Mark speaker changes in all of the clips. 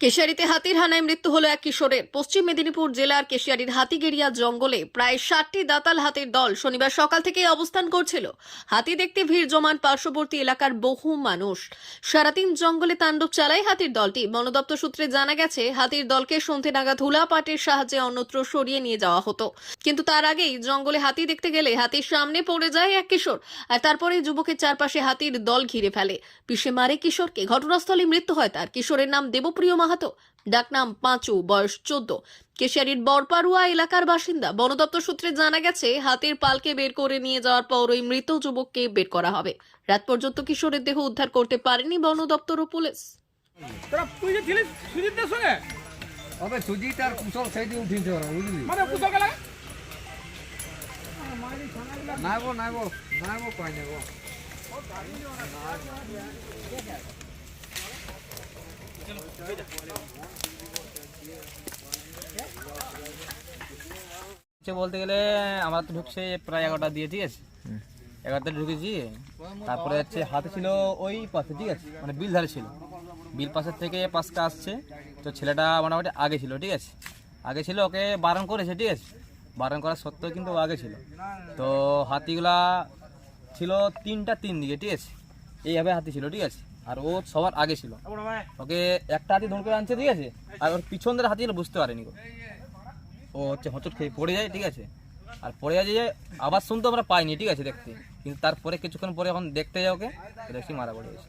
Speaker 1: কেশিয়ারিতে হাতির হানায় মৃত্যু হলো এক কিশোরের। পশ্চিম মেদিনীপুর জেলার কেশিয়ারির হাতিগেরিয়া জঙ্গলে প্রায় 60টি দাতাল হাতির দল শনিবার সকাল থেকেই অবস্থান করছিল। হাতি দেখতে ভিড় জমান পার্শ্ববর্তী এলাকার বহু মানুষ। সারাদিন জঙ্গলে তাণ্ডব চালায় হাতির দলটি। বন দপ্তর সূত্রে জানা গেছে, হাতির দলকে সন্ধে নাগাদ হুলা পাটের সাহায্যে অন্যত্র সরিয়ে নিয়ে যাওয়া হতো, কিন্তু তার আগেই জঙ্গলে হাতি দেখতে গেলে হাতির সামনে পড়ে যায় এক কিশোর, আর তারপরে যুবকের চারপাশে হাতির দল ঘিরে ফেলে, পিষে মারে কিশোরকে। ঘটনাস্থলে মৃত্যু হয় তার। কিশোরের নাম দেবপ্রিয় মাহাতো, ডাকনাম পাঁচু, বয়স 14, কেশিয়ারির বরপাড়ুয়া এলাকার বাসিন্দা। বন দপ্তর সূত্রে জানা গেছে, হাতির পালকে বের করে নিয়ে যাওয়ার পর ওই মৃত যুবককে বের করা হবে। রাত পর্যন্ত কিশোরের দেহ উদ্ধার করতে পারেনি বন দপ্তর ও পুলিশ।
Speaker 2: বলতে গেলে আমরা তো ঢুকছে প্রায় 11টা দিয়ে, ঠিক আছে, 11টা ঢুকেছি। তারপরে হচ্ছে হাতে ছিল ওই পাশে, ঠিক আছে, মানে বিল ধারে ছিল, বিল পাশের থেকে পাশটা আসছে। তো ছেলেটা মোটামুটি আগে ছিল, ঠিক আছে, আগে ছিল, ওকে বারণ করেছে, ঠিক আছে, বারণ করা সত্ত্বেও কিন্তু ও আগে ছিল। তো হাতিগুলা ছিল 3টা 3 দিকে, ঠিক আছে, এইভাবে হাতি ছিল, ঠিক আছে, আর ও সবার আগে ছিল। ওকে একটা হাতি ধরে করে আনছে, ঠিক আছে, আর ওর পিছন ধরে হাতিগুলো বুঝতে পারেনি। ও হচ্ছে হোঁচট খেয়ে পড়ে যায়, ঠিক আছে, আর পড়ে যায় যে আবার শুনতে আমরা পাইনি, ঠিক আছে, দেখতে। কিন্তু তারপরে কিছুক্ষণ পরে যখন দেখতে যাই ওকে, দেখছি মারা পড়ে গেছে।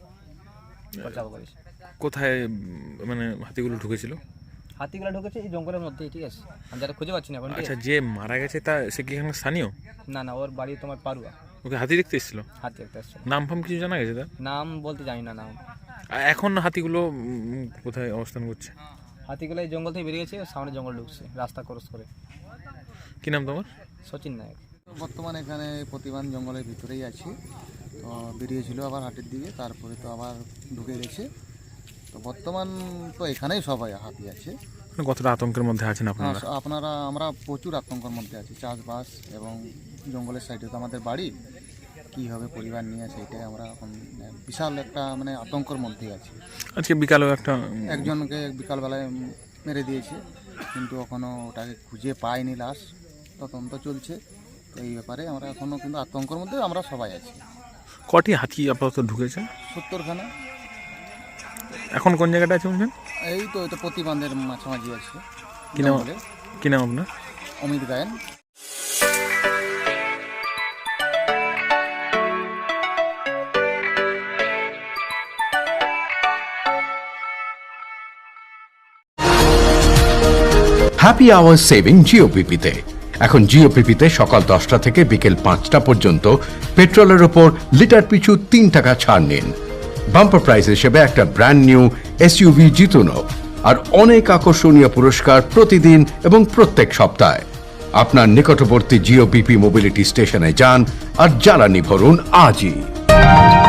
Speaker 3: কোথায় মানে হাতিগুলো ঢুকেছিল?
Speaker 2: হাতিগুলো ঢুকেছে এই জঙ্গলের মধ্যেই, ঠিক আছে, আমি যারা খুঁজে পাচ্ছি না এখন।
Speaker 3: আচ্ছা, যে মারা গেছে তা সে কি এখানে স্থানীয়?
Speaker 2: না না, ওর বাড়ি তোমার পাড়ুয়া।
Speaker 3: ওকে হাতি দেখতে এসেছিল?
Speaker 2: হাতি দেখতে এসেছিল।
Speaker 3: নাম ফাম কিছু জানা গেছে তার?
Speaker 2: নাম বলতে জানি না নাম।
Speaker 3: এখন হাতিগুলো কোথায় অবস্থান করছে?
Speaker 2: হাতিগুলো এই জঙ্গল থেকে বেরিয়েছে, সামনে জঙ্গল ঢুকছে রাস্তা ক্রস করে।
Speaker 3: কি নাম তোমার?
Speaker 2: সচিন নায়ক।
Speaker 4: বর্তমানে এখানে প্রতিবান জঙ্গলের ভিতরেই আছি। তো বেরিয়েছিল আবার হাটের দিকে, তারপরে তো আবার ঢুকে গেছে। তো বর্তমান তো এখানেই সবাই হাতি আছে।
Speaker 3: কতটা আতঙ্কের মধ্যে আছেন আপনারা?
Speaker 4: আমরা প্রচুর আতঙ্কের মধ্যে আছি। চাষবাস এবং জঙ্গলের সাইডে তো আমাদের বাড়ি, কী হবে পরিবার নিয়ে, সেইটাই আমরা এখন বিশাল একটা মানে আতঙ্কের মধ্যেই আছি।
Speaker 3: আজকে বিকালেও
Speaker 4: একজনকে বিকালবেলায় মেরে দিয়েছে, কিন্তু এখনও ওটাকে খুঁজে পাইনি, লাশ তদন্ত চলছে। তো এই ব্যাপারে আমরা এখনও কিন্তু আতঙ্কের মধ্যে আমরা সবাই আছি।
Speaker 3: কটি হাতি আপাতত ঢুকেছে?
Speaker 4: 70খানা।
Speaker 3: এখন কোন জায়গাটা আছে বলছেন?
Speaker 4: এই তো এটা প্রতিবান্ধের মাঝামাঝি আছে।
Speaker 3: কি নাম আপনার?
Speaker 4: Amit Gayen.
Speaker 5: Happy hour saving জিওপিপিতে। এখন জিওপিপিতে সকাল 10টা থেকে বিকেল 5টা পর্যন্ত পেট্রোলের ওপর লিটার পিছু 3 টাকা ছাড় নিন। বাম্পার প্রাইজ হিসেবে একটা ব্র্যান্ড নিউ এসইউভি জিতুন, আর অনেক আকর্ষণীয় পুরস্কার প্রতিদিন এবং প্রত্যেক সপ্তাহে। আপনার নিকটবর্তী জিওপিপি মোবিলিটি স্টেশনে যান আর জ্বালানি ভরুন আজই।